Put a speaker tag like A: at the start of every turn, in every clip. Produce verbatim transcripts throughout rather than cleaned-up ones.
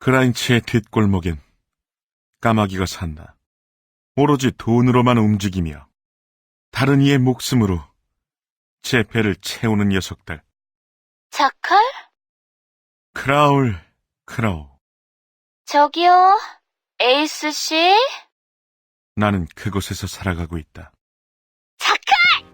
A: 그라인치의 뒷골목엔 까마귀가 산다. 오로지 돈으로만 움직이며 다른 이의 목숨으로 제 배를 채우는 녀석들.
B: 자칼?
A: 크라울, 크라우.
B: 저기요, 에이스 씨?
A: 나는 그곳에서 살아가고 있다.
B: 자칼!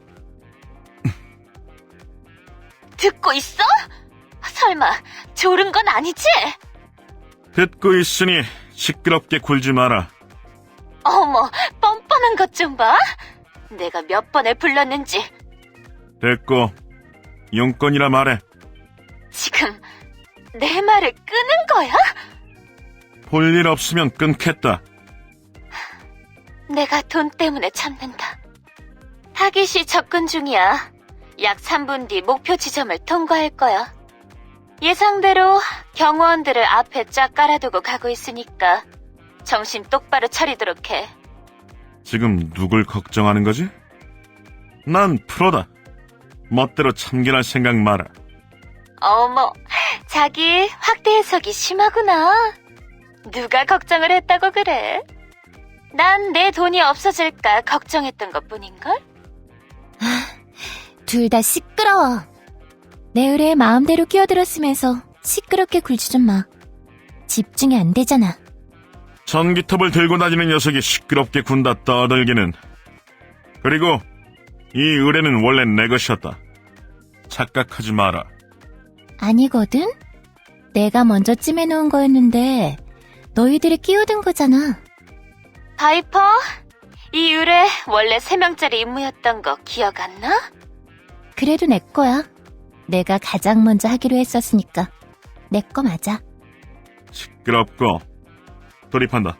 B: 듣고 있어? 설마 졸은 건 아니지?
A: 듣고 있으니 시끄럽게 굴지 마라.
B: 어머, 뻔뻔한 것 좀 봐. 내가 몇 번을 불렀는지.
A: 됐고, 용건이라 말해.
B: 지금 내 말을 끄는 거야?
A: 볼 일 없으면 끊겠다.
B: 내가 돈 때문에 참는다. 타깃이 접근 중이야. 약 삼 분 뒤 목표 지점을 통과할 거야. 예상대로 경호원들을 앞에 쫙 깔아두고 가고 있으니까 정신 똑바로 차리도록 해.
A: 지금 누굴 걱정하는 거지? 난 프로다. 멋대로 참견할 생각 마라.
B: 어머, 자기 확대 해석이 심하구나. 누가 걱정을 했다고 그래? 난 내 돈이 없어질까 걱정했던 것뿐인걸?
C: 둘 다 시끄러워. 내 의뢰에 마음대로 끼어들었으면서 시끄럽게 굴지 좀 마. 집중이 안 되잖아.
A: 전기톱을 들고 다니는 녀석이 시끄럽게 군다 떠들기는. 그리고 이 의뢰는 원래 내 것이었다. 착각하지 마라.
C: 아니거든? 내가 먼저 찜해놓은 거였는데 너희들이 끼어든 거잖아.
B: 바이퍼, 이 의뢰 원래 세 명짜리 임무였던 거 기억 안 나?
C: 그래도 내 거야. 내가 가장 먼저 하기로 했었으니까 내 거 맞아.
A: 시끄럽고 돌입한다.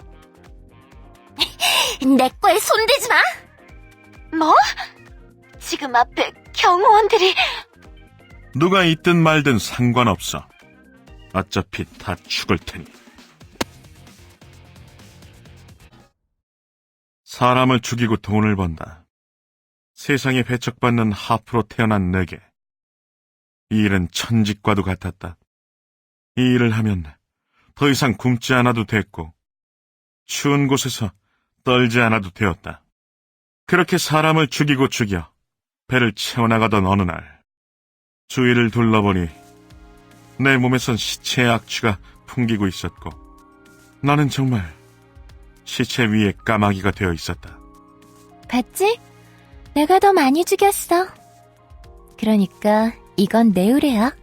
C: 내 거에 손대지 마!
B: 뭐? 지금 앞에 경호원들이...
A: 누가 있든 말든 상관없어. 어차피 다 죽을 테니. 사람을 죽이고 돈을 번다. 세상에 배척받는 하프로 태어난 내게 이 일은 천직과도 같았다. 이 일을 하면 더 이상 굶지 않아도 됐고 추운 곳에서 떨지 않아도 되었다. 그렇게 사람을 죽이고 죽여 배를 채워나가던 어느 날 주위를 둘러보니 내 몸에선 시체의 악취가 풍기고 있었고 나는 정말 시체 위에 까마귀가 되어 있었다.
C: 봤지? 내가 더 많이 죽였어. 그러니까 이건 내 의뢰야.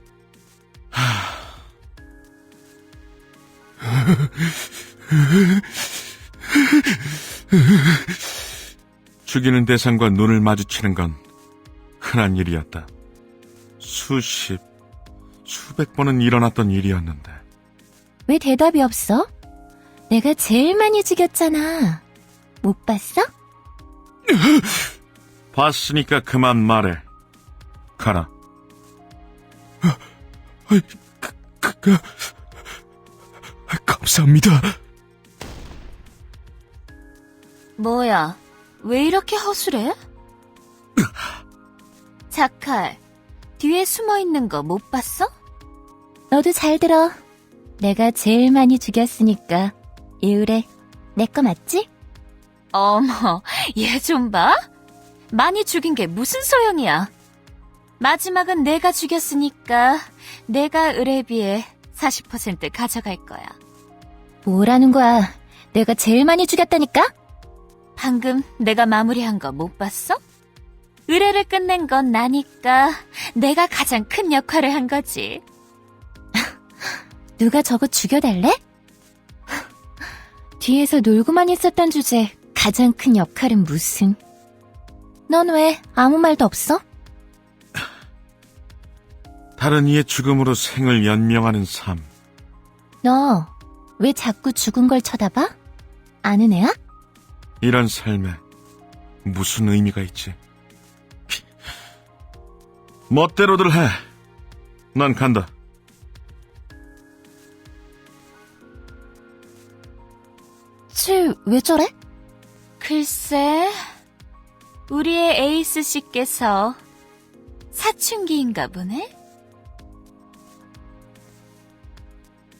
A: 죽이는 대상과 눈을 마주치는 건 흔한 일이었다. 수십, 수백 번은 일어났던 일이었는데
C: 왜 대답이 없어? 내가 제일 많이 죽였잖아. 못 봤어?
A: 봤으니까 그만 말해. 가라. 그, 그, 그, 감사합니다.
B: 뭐야, 왜 이렇게 허술해? 자칼, 뒤에 숨어있는 거 못 봤어?
C: 너도 잘 들어. 내가 제일 많이 죽였으니까 이 의뢰 내 거 맞지?
B: 어머, 얘 좀 봐. 많이 죽인 게 무슨 소용이야. 마지막은 내가 죽였으니까 내가 의뢰비에 사십 퍼센트 가져갈 거야.
C: 뭐라는 거야? 내가 제일 많이 죽였다니까?
B: 방금 내가 마무리한 거 못 봤어? 의뢰를 끝낸 건 나니까 내가 가장 큰 역할을 한 거지.
C: 누가 저거 죽여달래? 뒤에서 놀고만 있었던 주제 가장 큰 역할은 무슨? 넌 왜 아무 말도 없어?
A: 다른 이의 죽음으로 생을 연명하는 삶.
C: 너 왜 자꾸 죽은 걸 쳐다봐? 아는 애야?
A: 이런 삶에 무슨 의미가 있지? 멋대로들 해. 난 간다.
C: 쟤 왜 저래?
B: 글쎄, 우리의 에이스 씨께서 사춘기인가 보네?